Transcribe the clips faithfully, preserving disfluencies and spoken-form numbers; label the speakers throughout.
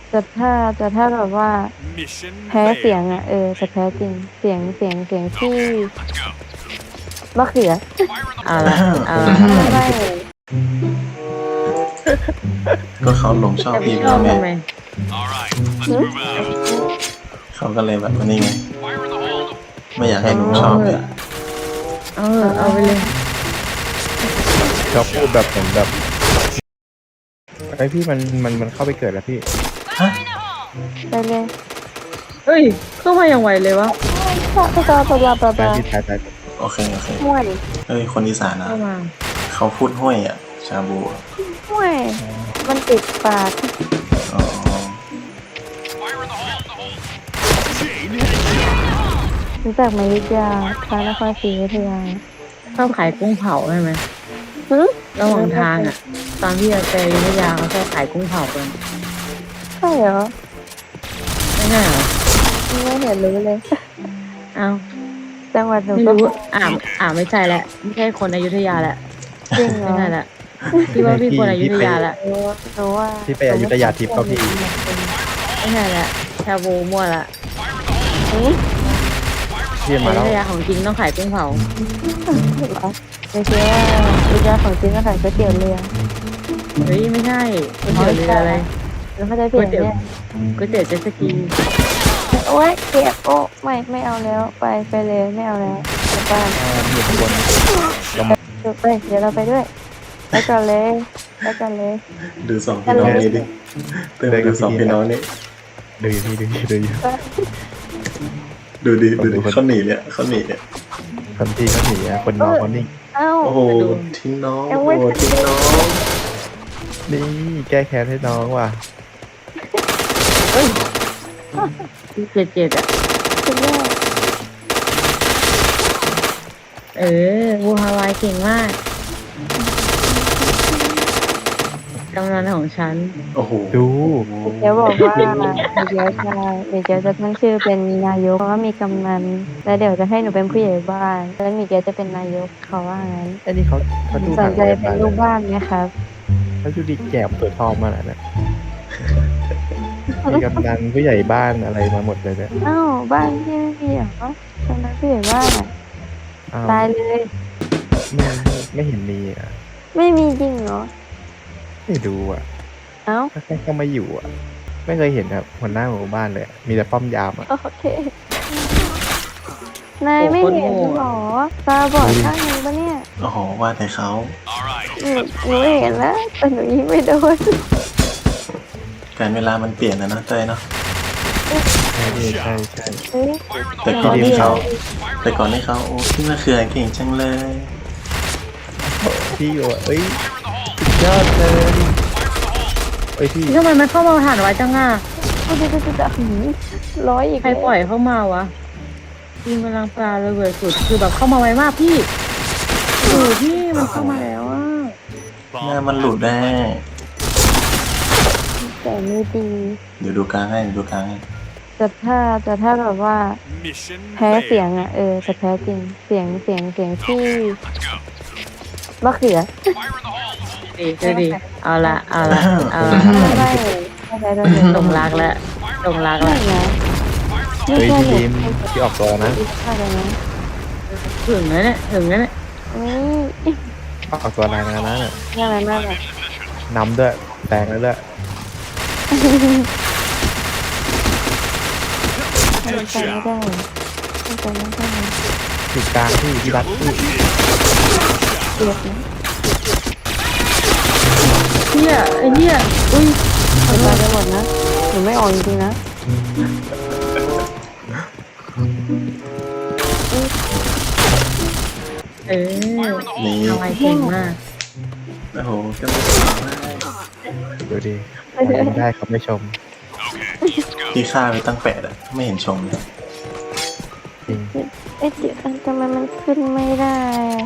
Speaker 1: แต่ถ้าแต่ถ้าแบบว่า
Speaker 2: Mission
Speaker 1: แพ้เสียง
Speaker 2: failed.
Speaker 1: อ่ะเออจะแพ้จริงเสียงเสียงเสียงที่มะเขือ
Speaker 3: เอาละเอาละ
Speaker 1: ไม่
Speaker 4: ก็เขาหลงชอบ
Speaker 3: แต่
Speaker 4: พี่
Speaker 3: พี่
Speaker 4: ไป
Speaker 3: ชอ
Speaker 4: แล้
Speaker 3: บ
Speaker 4: วไง
Speaker 3: ทำไม
Speaker 2: All right, let's move out.
Speaker 4: เขาก็เลยแบบนี้ไง
Speaker 2: Fire in the hole.
Speaker 4: ไม่อยากให้หนูชอบเลย
Speaker 3: เอาเถอะเอาไปเลย
Speaker 5: เขาพูดแบบเหมือนแบบไอพี่มันมันมันเข้าไปเกิดแล้วพี่
Speaker 4: ฮะ
Speaker 1: ไปเลย
Speaker 3: เฮ้ยเข้ามาอย่างไวเลยวะ
Speaker 1: ปะปะปะปะปะ
Speaker 5: ตาย
Speaker 1: ปะ
Speaker 5: พี่ตายตาย
Speaker 4: โอเคโอเค
Speaker 1: ห่วย
Speaker 4: เอ้ยคนอีสานนะ
Speaker 3: เข้ามา
Speaker 4: เขาพูดห้วยอ่ะ ชาบูอะ
Speaker 1: ห่วยมันติดปาก
Speaker 4: อ๋อ
Speaker 2: Fire in the hole. The hole. Chain headshot.
Speaker 1: รู้จักไหมวิทยาพระนครศรีอยุธยา
Speaker 3: ชอบขายกุ้งเผาใช่ไหม
Speaker 1: หึ
Speaker 3: ระหว่างทางอ่ะ ตอนที่เราไปอยุธยาเขาชอบขายกุ้งเผากัน
Speaker 1: ใช่เหรอ
Speaker 3: ไม่ใช่เหรอ
Speaker 1: ไม่เห็นรู้เลย
Speaker 3: เอา
Speaker 1: จังหวัดหนู
Speaker 3: ไม่
Speaker 1: ก็
Speaker 3: รู้อ่าอ่าไม่ใช่แหละไม่ใช่คนอยุธยาแหละ
Speaker 1: จริงเหร
Speaker 3: ไม่
Speaker 1: อ
Speaker 3: ใช่แหละพี่ว่าพี่คนอยุธยาแหละ
Speaker 1: หนูหนูว่า
Speaker 5: ที่ไปอยุธยาทิพย์เขาพี่
Speaker 3: ไม่ใช่แหละชาบูมั่วละ
Speaker 5: พี่
Speaker 3: อ
Speaker 5: มาแล้
Speaker 3: ยุ
Speaker 5: ว
Speaker 3: ธยาของจริงต้องขายกุ้งเผา
Speaker 1: ไม่ใช่ว่าวิทยาของจริงก็ขายก๋วยเตี๋ยวเรือ
Speaker 3: เฮ้ยไม่ใช่ก๋วยเตี๋ยวเรืออะไร
Speaker 1: แล้วเขาจะเปลี่ยนเนี่ย
Speaker 3: ก๋วยเตี๋ยวเจ็ตสกี
Speaker 1: โอ๊ยเจ็บโอ้ไม่ไม่เอาแล้วไปไปเลยไม่เอาแล้วกลับบ้าน
Speaker 5: อยู่ข้างบน
Speaker 1: เดี๋ยวไปเดี๋ยวเราไปด้วยไปก่อนเลยไปก่อนเลย
Speaker 4: ดูสองพี่น้องนี้ดิเติมดูสองพี่น้องนี้
Speaker 5: ดูอยู่พี่ดูอยู่ดูอยู่
Speaker 4: ดูดิดูดิเขาหนีเนี่ยเขาหนีเนี่ย
Speaker 5: คนที่เขาหนีอะคนน้องคนนิ่ง
Speaker 1: เอ้า
Speaker 4: โอ้โหทิ้งน้อง
Speaker 1: ยัง
Speaker 4: โอ้
Speaker 1: ไม่
Speaker 4: โหทิ้งน้อง
Speaker 5: นี่แก้แค้นให้น้องว่ะ
Speaker 3: เจ็ดเจ็ดอ่ะ
Speaker 1: คุณแม่
Speaker 3: เออบูฮาวายเก่งมากกำนันของฉัน
Speaker 4: โอ้โห
Speaker 5: ดู
Speaker 1: เดี๋ยวบอกว่าเดี๋ยวจะเดี๋ยวจะตั้งชื่อเป็นนายกเพราะว่ามีกำนันแล้วเดี๋ยวจะให้หนูเป็นผู้ใหญ่บ้านแล้วมีเกียจะเป็นนายกเขาว่างั้น
Speaker 5: ไอ้นี่เขาเขาดู
Speaker 1: ส
Speaker 5: หนั
Speaker 1: น
Speaker 5: ง
Speaker 1: ใจ
Speaker 5: อะไร
Speaker 1: เป็
Speaker 5: มาน เล
Speaker 1: ลู
Speaker 5: ย
Speaker 1: กบ้านไหมครับ
Speaker 5: เขาดูดีแก่เปิดทองมาแล้วนะมีกำนันผู้ใหญ่บ้านอะไรมาหมดเลยเนี่ย
Speaker 1: อ้าวบ้านพี่ไม่มีเหรอกำนันผู้ใหญ่บ้านอะ
Speaker 5: อ้าว
Speaker 1: ตายเลย
Speaker 5: ไม่ไม่ไม่เห็นมีอ่ะ
Speaker 1: ไม่มีจริงเหรอ
Speaker 5: ไม่ดูอ่ะ
Speaker 1: เอ้า
Speaker 5: ถ้าแค่เข้ามาอยู่อ่ะ ไม่เคยเห็นครับหัวหน้าหมู่บ้านเลยอะมีแต่ป้อมยามอ่ะ
Speaker 1: โอเค นายไม่เห็นเหรอตาบอดข้างหนึงปะเนี่ย
Speaker 4: โอ้โหว่าแต่เขา
Speaker 2: All right.
Speaker 1: หนูหนูเห็นแล้วแต่หนูยิงไม่โดน
Speaker 4: การเวลามันเปลี่ยนนะนะเต้ยเนาะ
Speaker 5: ใช่พี่ใช่ใช่
Speaker 1: เฮ้ย
Speaker 4: แต่ก่อนที่เขาแต่ก่อนที่เขาโอ้พี่มะเขือเก่งจังเลย
Speaker 5: พี่อยู่อะเอ้ยสุดยอดเลยเอ้ยพี่
Speaker 3: ทำไมมันเข้ามาผ่านไวจังอ่ะ
Speaker 1: กูจะจะจะหืมร้อยอีก
Speaker 3: ใครปล่อยเข้ามาวะยิงกำลังปลาเลยเว้ยสุดคือแบบเข้ามาไวมากพี่โอ้พี่มันเข้ามาแล้วอ่ะ
Speaker 4: หน้ามันหลุดได้
Speaker 1: แต่ไม่ดี
Speaker 4: เดี๋ยวดูกลางให้เดี๋ยวดูกลางให้
Speaker 1: แต่ถ้าแต่ถ้าแบบว่า
Speaker 2: Mission
Speaker 1: แพ้เสียง
Speaker 2: failed.
Speaker 1: อ่ะเออจะแพ้จริงเสียงเสียงเสียงที่
Speaker 2: Let's go.
Speaker 1: มะเขือ
Speaker 2: Fire in the hole.
Speaker 3: ดีก็ดีเอาละเอาละเอาละ
Speaker 1: ไม่ไม่ไม่ใช่ตัวหนึ่ง
Speaker 3: ตรงรักแล้วตรงรัก
Speaker 1: ไม่
Speaker 3: แล้ว
Speaker 1: นะไม่
Speaker 5: เฮ้ย
Speaker 1: ใช่
Speaker 5: พี่
Speaker 1: หนู
Speaker 5: ทีมพี่ออกตัวนะ
Speaker 1: ไม่ใช่เลยนะ
Speaker 3: ถึงแล้วเนี่ยถึงแล้วเนี่ย
Speaker 1: นี่
Speaker 5: ออกตัวแรงนะเนี่ย
Speaker 1: น่ารักมากเลย
Speaker 5: นำด้วยแซงแล้วด้วย
Speaker 1: ทำใจไม่ได้ทำใจไม่ได้
Speaker 5: อยู่กลางพี่พี่รัดพี่
Speaker 1: เกลียดนะ
Speaker 3: เฮียไอ้เฮียอุ้ย
Speaker 1: ทำใจไปหมดนะหนูไม่ออกจริงๆนะ
Speaker 3: เออ
Speaker 4: นี่
Speaker 3: ทำไมเก่งมาก
Speaker 4: โอ้โหก็ไม่ได้
Speaker 5: ดูดิไม่ได้เขาไม่ชม
Speaker 4: พี่ฆ่าไปตั้งแปดอะไม่เห็นชมเลย
Speaker 5: จริง
Speaker 1: เอ๊ะเดี๋ยวทำไมมันขึ้นไม่ได้อะ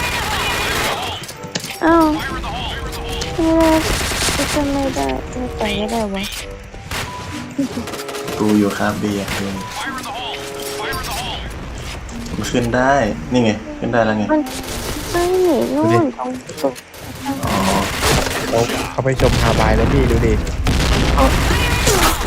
Speaker 1: อ้าวไม่ได้ขึ้นไม่ได้ไม่ไปไม่ได้วะ
Speaker 4: กูอยู่คาเบียร์ดูมันขึ้นได้ นี่ไง ขึ้นได้แล้วไง
Speaker 1: มันไม่หนีนู่นตรงตรง
Speaker 4: อ๋อ
Speaker 5: เขาเขาไปชมฮาบายแล้วพี่ดูดิ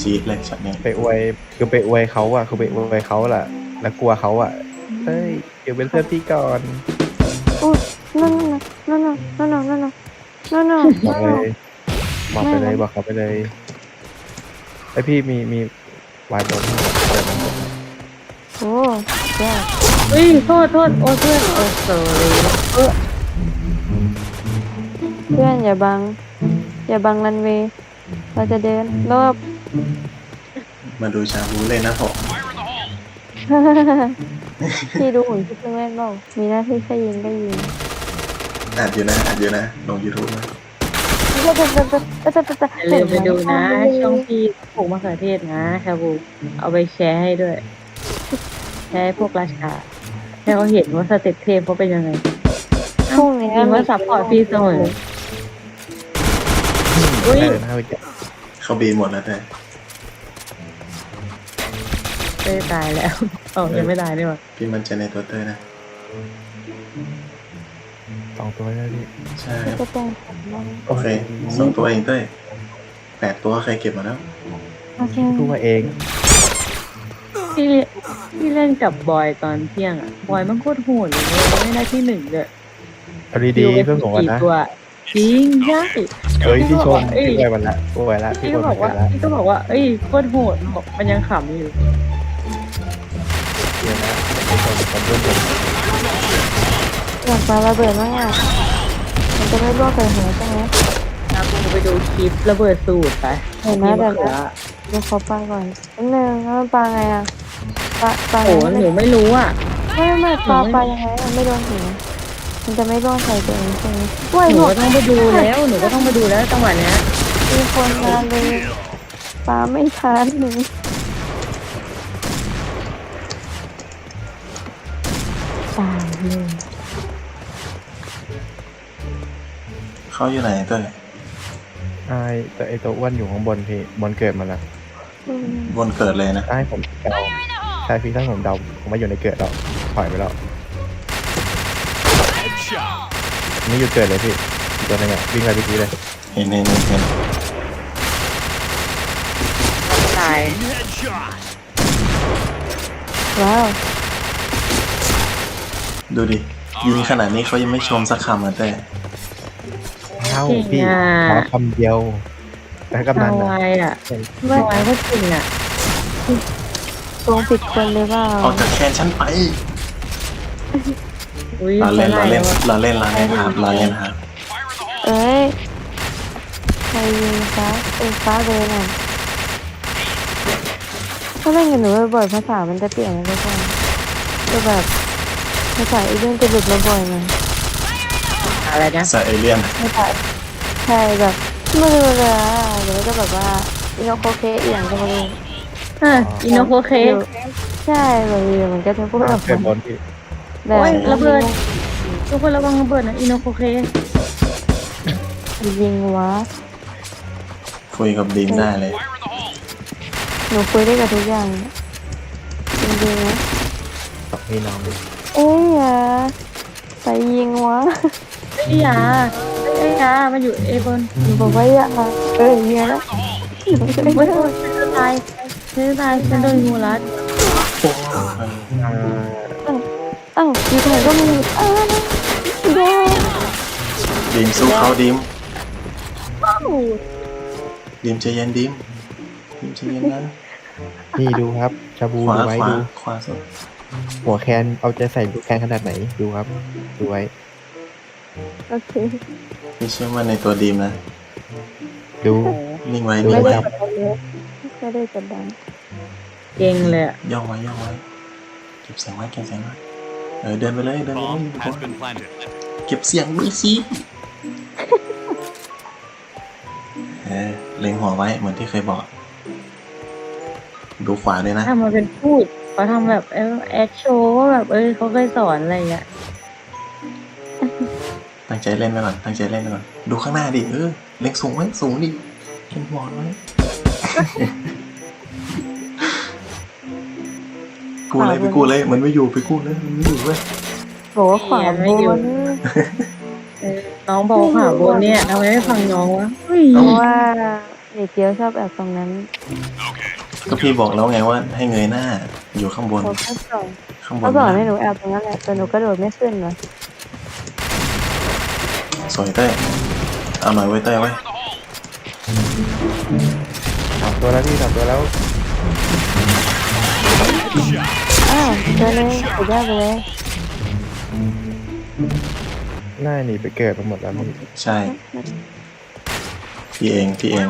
Speaker 4: จี๊ดเลยช็อตนี้
Speaker 5: ไปอวยคือไปอวยเขาอะคือไปอวยเขาแหละแล้วกลัวเขาอะเฮ้ยเดี๋ยวเป็นเพื่อนพี่ก่อน
Speaker 1: อุ้ยนั่นนั่นนั่นนั่นนั่นนั่นนั่นนั่น
Speaker 5: บอกเลยบอกไปเลยบอกเขาไปเลยไอพี่มีมีวายบนเปิดมัน
Speaker 1: โอ้แย่
Speaker 3: เฮ้ยโทษโทษโอ้เพื่อนโอ้โซเลย
Speaker 1: เพื่อนอย่าบัง อย่าบังรันเวย์เราจะเดินรอบ
Speaker 4: มาดูชาบูเลยนะผม
Speaker 1: พี่ดูหุ่นพี่เพิ่งเล่นเปล่ามีหน้าที่แค่ยิงก็ยิง
Speaker 4: อัดอยู่นะอัดอยู่นะลง YouTube นะ
Speaker 3: อย่าลืมไปดูนะ ช่องพี่ปลูกมะเขือเทศนะชาบูเอาไปแชร์ให้ด้วย แชร์ให้พวกราชาให้เขาเห็นว่าสเต็ปเทพเขาเป็นยังไง
Speaker 1: พรุ่งนี้
Speaker 3: จริงว่าซัพพอร์ตฟรีเสมอ อุ๊ย
Speaker 5: ได้เลยนะไปแกะ
Speaker 4: เขาบีหมดแล้วแต่
Speaker 3: เต้ยตายแล้วเออยังไม่ตายนี่หว่า
Speaker 4: พี่มันใจะในตัวเตอร์นะ
Speaker 5: สองตัวแล้วพี่
Speaker 4: ใช่
Speaker 1: จะแต่งผมบ้าง
Speaker 4: โอเคสองตัวเองเต้ยแปดตัวใครเก็บมาแล้ว
Speaker 1: โอเค
Speaker 5: พูดมาเอง
Speaker 3: พี่พี่เล่นกับบอยตอนเที่ยงอ่ะบอยมันโคตรโหดเลยไม่ได้ที่หนึ่งเลย
Speaker 5: เอาดีๆเพื่อนผมกันนะ
Speaker 3: ตัวจริงใช่
Speaker 5: เฮ้ยพี่ชม
Speaker 3: เอ้ย
Speaker 5: พี่อวยมันละอวยละพี่
Speaker 3: พี่
Speaker 5: อ
Speaker 3: ก็
Speaker 5: วย
Speaker 3: บ
Speaker 5: มั
Speaker 3: อน ก
Speaker 5: ไป
Speaker 3: ว่า
Speaker 5: ละ
Speaker 3: พี่ก็บอกว่าเอ้ยโคตรโหดบอกมันยังขำอยู่
Speaker 5: เดี๋ยวนะพี่ชมผมเพื่อนผม
Speaker 1: อยากปาระเบิดมากอ่ะมันจะไม่ร่วงใส่หัวใช่ไหม
Speaker 3: นะกูไปดูคลิประเบิดสูตรไป
Speaker 1: เห็นไหมแต่ละดูเขาปาก่อนนิดนึงแล้วมันปาไงอ่ะปาปา
Speaker 3: โอ้
Speaker 1: ไง
Speaker 3: หนูไม่รู้อ่ะ
Speaker 1: ไม่ไม่ปาปายังไงมันไม่โดนหัวมันจะไม่ร่วงใส่ตัวเองใช่ไหมว้าย
Speaker 3: ห
Speaker 1: ห
Speaker 3: นู
Speaker 1: มด
Speaker 3: ก็ต้องไปดูแล้วหนูก็ต้องไปดูแล้วจังหวะเนี้ย
Speaker 1: มีคนมาเลยปาไม่ทันหนึ่งตายเลย
Speaker 4: เขาอยู่ไหนเต้ย
Speaker 5: ไอ้แต่ไอตัวอ้วนอยู่ข้างบนพี่บนเกิดมาแล้ว
Speaker 1: อืม
Speaker 4: บนเกิดเลยนะ
Speaker 5: ถ้าให้ผมเดาใช่พี่ถ้าผมเดาผมไม่อยู่ในเกิดแล้วถอยไปแล้ว
Speaker 2: Headshot.
Speaker 5: ไม่อยู่เกิดเลยพี่อีกตัวหนึงอ่ะวิ่งไปเมื่อกี้เลย
Speaker 4: เห็นเห็นเห็นเห็น
Speaker 3: ตาย
Speaker 2: Headshot.
Speaker 1: ว้าว
Speaker 4: ดูดิยิงขนาดนี้เขายังไม่ชมสักคำอ่ะเต้ย
Speaker 5: เอ้าพี่ขอคำเดียวแล้วกำนั
Speaker 3: ทาน
Speaker 5: นะ
Speaker 3: วายอ่ะ
Speaker 1: ไม่
Speaker 3: ทวายก็จริงอ่ะ
Speaker 1: ตรงผิดคนเลยเปล่า
Speaker 4: ออกจากแคนฉันไป
Speaker 3: อุ้ย
Speaker 4: เราเล่นเราเล่น
Speaker 3: วะ
Speaker 4: เราเล่นเราเล่นครับเราเล่นครับ
Speaker 1: เอ้ยใครยิงฟ้าเอ้ยฟ้าเลยน่ะถ้าเล่นกับหนูบ่อยๆภาษามันจะเปลี่ยนนะทุกคนจะแบบภาษาอีเรื่องจะหลุดมาบ่อยไง
Speaker 3: อะไรนะ
Speaker 4: ใส่เอเลี่ยน
Speaker 1: ภาษาใช่แบบไม่รู้เลยอ่ะหรือว่าจะแบบว่าอินโนโคเคเอียงก็ไม่รู้
Speaker 3: อ่ะอินโนโคเค
Speaker 1: ใช่แบบนี้มันก็จะพูดแบบ
Speaker 5: เกิดบนพี่
Speaker 1: แบบ
Speaker 3: โอ้ยระเบิด ทุกคนระวังระเบิดนะอินโนโคเค
Speaker 1: ยิงวะ
Speaker 4: คุยกับดีมได้เลย
Speaker 1: หนูคุยได้กับทุกอย่างจริงๆนะ
Speaker 5: สองพี่น้องดิ
Speaker 1: เอ้ยอย่าไปยิงวะ
Speaker 3: ไอ้ยาไอ้ยามาอยู่เอบน
Speaker 1: หนูบอกว่าอย่าเอ้ยยิงแล้ว
Speaker 3: ไม่โดนฉันจะตายฉันจะตายฉันโดนงูรัด
Speaker 5: อ่า
Speaker 1: อ้าวอยู่ตรงไหนก็มีอ้าวเดี๋ยว
Speaker 4: ดีมสู้เขาดีม
Speaker 1: อ้าว
Speaker 4: ดีมใจเย็นดีมดีมใจเย็นนะ
Speaker 5: นี่ดูครับชาบู
Speaker 4: ขวา
Speaker 5: ดูไว้
Speaker 4: ขวา
Speaker 5: ดู
Speaker 4: ขวาสุด
Speaker 5: หัวแคนเอาใจใส่ลูกแคนขนาดไหนดูครับดูไว้
Speaker 1: โอเค
Speaker 4: ไม่เชื่อมั่นในตัวดีมนะ
Speaker 5: ดู
Speaker 4: นิ่งไว้
Speaker 5: ดู
Speaker 4: นิ่ง
Speaker 1: ไม่
Speaker 4: ไว้
Speaker 1: ได้กดดันเลยไม่ได้กดดัน
Speaker 3: เก่งเลยอะ
Speaker 4: ย่องไว้ย่องไว้เก็บเสียงไว้เก็บเสียงไว้เออเดินไปเลยเดินไปเลย
Speaker 2: Bomb has been planted.
Speaker 4: เก็บเสียงด้วยสิเออเล็งหัวไว้เหมือนที่เคยบอก ดูขวาด้วยนะ
Speaker 3: ทำมาเป็นพูดเขาทำแบบเออแอคโชว์ว่าแบบเออเขาเคยสอนอะไรอย่างเงี้ย
Speaker 4: ตั้งใจเล่นไปก่อนตั้งใจเล่นไปก่อนดูข้างหน้าดิเออเล็งสูงไว้สูงดิเล็งบอลไว้ กูเลยไปกูเลยมันไม่อยู่ไปกูเลยมันไม่อยู่เว้ย
Speaker 1: บอกว่าขวาบน
Speaker 3: เออน้องบอกค่ะบนเนี่ยทำไมไม่ฟังน้องวะเฮ้ย
Speaker 1: เพราะว่าเด็กเกียวชอบแอบตรงนั้น
Speaker 4: ก็พี่บอกแล้วไงว่าให้เงยหน้า อยู่ข้างบน
Speaker 1: เขาก็สอน
Speaker 4: ข้างบน
Speaker 1: เขาสอนให้หนูแอบตรงนั้นแหละแต่หนูกระโดดไม่ขึ้นเลย
Speaker 4: สวยเต้ยเอาหน่อยไว้เต้ยไว้
Speaker 5: สามตัวแล้วพี่สามตัวแล้ว
Speaker 1: อ้าวเจอเลยสุดยอดไปเลย
Speaker 5: หน้าหนีไปเกิดมาหมดแล้วพี่
Speaker 4: ใช่ พี่เอง พี่เอง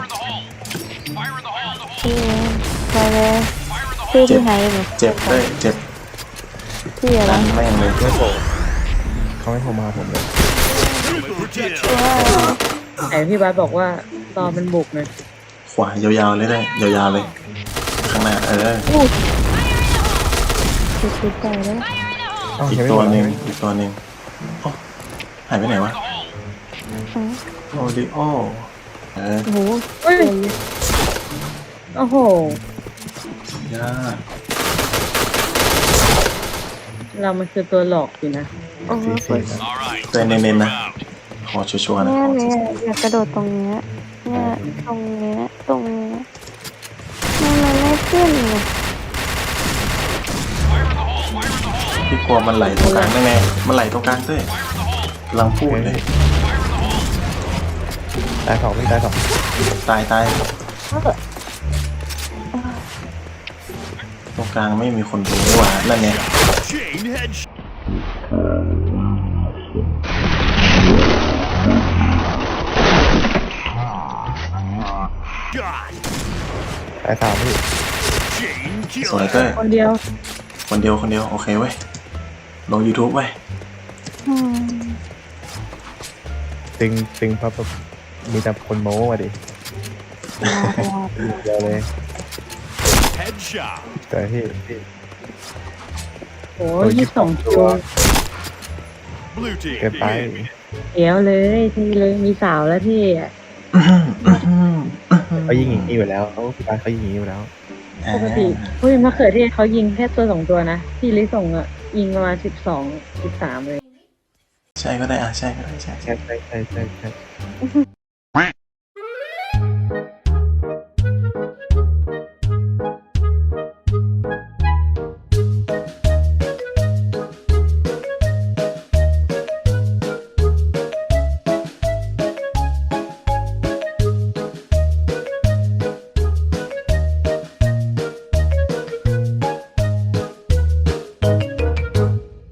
Speaker 1: พี่ไปเลยพี่ที่ไหนหนู
Speaker 4: เจ็บเต้ยเจ็บ
Speaker 1: พี่อะไร
Speaker 4: ดันแม่งเลย
Speaker 5: ไม่โผล่เขาไม่โทรมาผมเลย
Speaker 1: ว้าว
Speaker 3: แต่พี่บาสบอกว่าตอนมันบุกนะ
Speaker 4: ขวายาวๆเลยได้ยาวๆเลย ข้างหน้าเออ
Speaker 1: สุดสุดใจเลย
Speaker 5: เอ้า
Speaker 4: อีก
Speaker 5: ยังไม่
Speaker 4: ตัว
Speaker 5: หมด
Speaker 4: หนึ่ง
Speaker 5: เลย
Speaker 4: อีกตัวหนึ่งโอ้หายไปไหนวะ โอดิโอเออ
Speaker 1: โอ้โห
Speaker 3: เฮ้ยโอ้โห
Speaker 4: ยาก
Speaker 3: เรามันคือตัวหลอกสินะ
Speaker 1: โอ้โห
Speaker 5: สี่สี่นะ
Speaker 2: All right.
Speaker 4: ตัวเน้นๆนะ ขอชัวร์ๆนะ
Speaker 1: เนี่ย
Speaker 4: ขอ
Speaker 1: เนี่
Speaker 4: ชั
Speaker 1: ยว อยากกระโดดตรงเนี้ยเนี่ยตรงเนี้ยตรงเนี้ยมันมันไม่ขึ้นเลย
Speaker 4: ๆพี่กลัวมันไหลตรงกลางได้ไงมันไหลตรงกลางเต้ยกำลังพูดเลย
Speaker 5: ตายสองพี่ตายสอง
Speaker 4: ตายตายตรงกลางไม่มีคนดูนี่หว่านั่นไง
Speaker 2: Chain head. God.
Speaker 5: ตายสามพี่
Speaker 2: Chain
Speaker 4: สวย
Speaker 2: killer.
Speaker 4: เต้ย
Speaker 3: คนเดียว
Speaker 4: คนเดียวคนเดียวโอเคเว้ยลง YouTube เว้ย
Speaker 1: อืม
Speaker 5: ตึงตึงเพราะแบบมีแต่คนโม้มาดิ
Speaker 1: ลาลา
Speaker 5: เดียวเลย
Speaker 2: Headshot.
Speaker 5: แต่พี่พี่
Speaker 3: โอ้ยยี่สิบสองคิว
Speaker 2: Blue team.
Speaker 5: เกินไป
Speaker 2: begin.
Speaker 3: เดี๋ยวเลยที่เลยมีสาวแล้วที่อ่ะ
Speaker 5: เขายิงอย่างนี้อยู่แล้วเขาพี่บาสเขายิงอย่างนี้อยู่แล้ว
Speaker 3: ปกติเฮ้ยมะเขือเทศเขายิงแค่ตัวสองตัวนะที่ลิส่งอ่ะยิงประมาณสิบสองสิบสามเลย
Speaker 4: ใช่ก็ได้อ่ะใช่ก็ได้ใช่
Speaker 5: ใช่ใช่ใช่ใช่ใช่